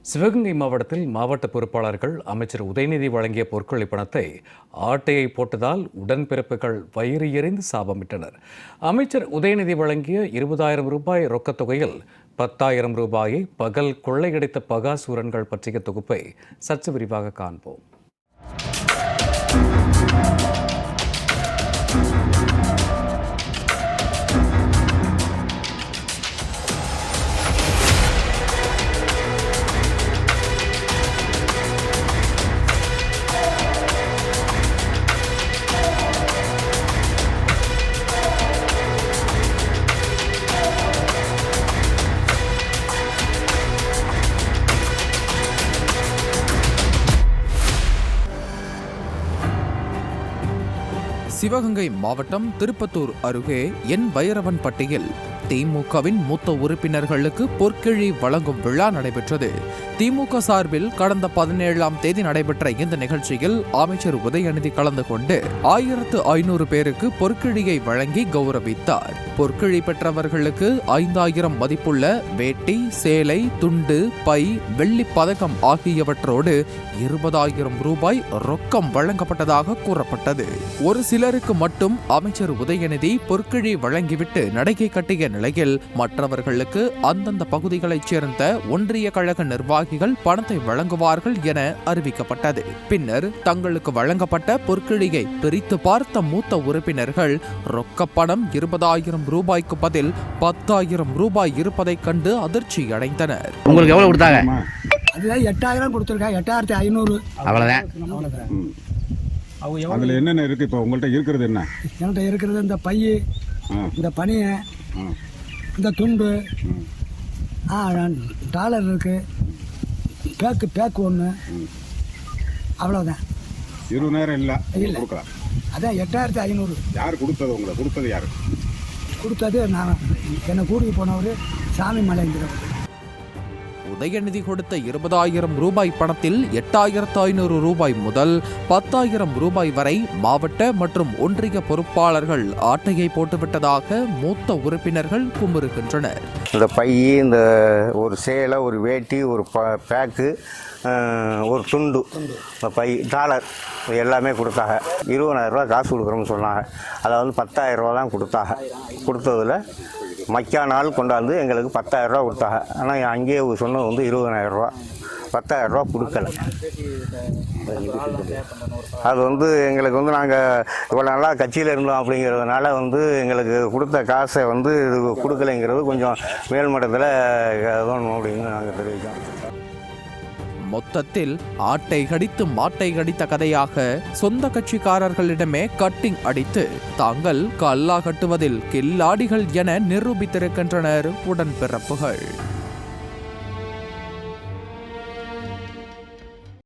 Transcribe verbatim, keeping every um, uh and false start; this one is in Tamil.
சிவகங்கை மாவட்டத்தில் மாவட்ட பொறுப்பாளர்கள் அமைச்சர் உதயநிதி வழங்கிய பொற்கொள்ளி பணத்தை ஆட்டையை போட்டதால் உடன்பிறப்புகள் வயிறு எறிந்து சாபமிட்டனர். அமைச்சர் உதயநிதி வழங்கிய இருபதாயிரம் ரூபாய் ரொக்கத் தொகையில் பத்தாயிரம் ரூபாயை பகல் கொள்ளையடித்த பகாசூரன்கள் பற்றிய தொகுப்பை சற்று விரிவாக காண்போம். சிவகங்கை மாவட்டம் திருப்பத்தூர் அருகே என் பைரவன்பட்டியில் திமுகவின் மூத்த உறுப்பினர்களுக்கு பொற்கிழி வழங்கும் விழா நடைபெற்றது. திமுக சார்பில் கடந்த பதினேழாம் தேதி நடைபெற்ற இந்த நிகழ்ச்சியில் அமைச்சர் உதயநிதி கலந்து கொண்டு ஆயிரத்து ஐநூறு பேருக்கு பொற்கிழியை வழங்கி கௌரவித்தார். பொற்கிழி பெற்றவர்களுக்கு ஐந்தாயிரம் மதிப்புள்ள வேட்டி, சேலை, துண்டு, பை, வெள்ளி பதக்கம் ஆகியவற்றோடு இருபதாயிரம் ரூபாய் ரொக்கம் வழங்கப்பட்டதாக கூறப்பட்டது. ஒரு சிலருக்கு மட்டும் அமைச்சர் உதயநிதி பொற்கிழி வழங்கிவிட்டு நடைகை கட்டிய நிலையில் மற்றவர்களுக்கு அந்தந்த பகுதிகளைச் சேர்ந்த ஒன்றிய கழக நிர்வாகிகள் பணத்தை வழங்குவார்கள் என அறிவிக்கப்பட்டது. பின்னர் தங்களுக்கு வழங்கப்பட்ட பொற்கிழியை பிரித்து பார்த்த மூத்த உறுப்பினர்கள் ரொக்க பணம் இருபதாயிரம் ரூபாய்க்கு பதில் பத்தாயிரம் ரூபாய் இருப்பதைக் கண்டு அதிர்ச்சி அடைந்தனர். உங்களுக்கு எவ்வளவு கொடுத்தாங்க? அதுதான் எட்டாயிரம் கொடுத்துருக்காங்க. எட்டாயிரத்தி ஐநூறு அவ்வளவுதான். அதுல என்னென்ன இருக்கு? இப்போ உங்கள்கிட்ட இருக்கிறது என்ன? என்கிட்ட இருக்கிறது இந்த பை, இந்த பனியை, இந்த துண்டு, ஆ டாலர் இருக்கு, பேக்கு பேக்கு ஒன்று, அவ்வளோதான். இருபதாயிரம் இல்லை இல்லை, அதான் எட்டாயிரத்தி ஐநூறு. யார் கொடுத்தது? உங்களை கொடுத்தது யார்? கொடுத்தது நான், என்னை கூட்டிகிட்டு போனவர் சாமி மலைங்கிறவர். உதயநிதி கொடுத்த இருபதாயிரம் ரூபாய் பணத்தில் எட்டாயிரத்து ஐநூறு ரூபாய் முதல் பத்தாயிரம் ரூபாய் வரை மாவட்ட மற்றும் ஒன்றிய பொறுப்பாளர்கள் ஆட்டையை போட்டுவிட்டதாக மூத்த உறுப்பினர்கள் குமுறுகின்றனர். இந்த பை, இந்த ஒரு சேலை, ஒரு வேட்டி, ஒரு பேக்கு, ஒரு துண்டு, பை, டாலர் எல்லாமே கொடுத்தாங்க. இருபதாயிரம் ரூபா காசு கொடுக்குறோம்னு சொன்னாங்க. அதை வந்து பத்தாயிரம் ரூபா தான் கொடுத்தாங்க. கொடுத்ததில் மக்கா நாள் கொண்டாந்து எங்களுக்கு பத்தாயிரம் ரூபா கொடுத்தாங்க. ஆனால் அங்கேயே சொன்னது வந்து இருபதாயிரம் ரூபா, பத்தாயிரம் ரூபா கொடுக்கல. அது வந்து எங்களுக்கு வந்து நாங்கள் இவ்வளோ நல்லா கட்சியில் இருந்தோம் அப்படிங்கிறதுனால வந்து எங்களுக்கு கொடுத்த காசை வந்து இது கொடுக்கலைங்கிறது கொஞ்சம் மேல்மட்டத்தில் தோணும் அப்படின்னு நாங்கள் தெரிவித்தோம். மொத்தத்தில் ஆட்டை கடித்து மாட்டை கடித்த கதையாக சொந்த கட்சிக்காரர்களிடமே கட்டிங் அடித்து தாங்கள் கல்லா கட்டுவதில் கில்லாடிகள் என நிரூபித்திருக்கின்றனர் உடன்பிறப்புகள்.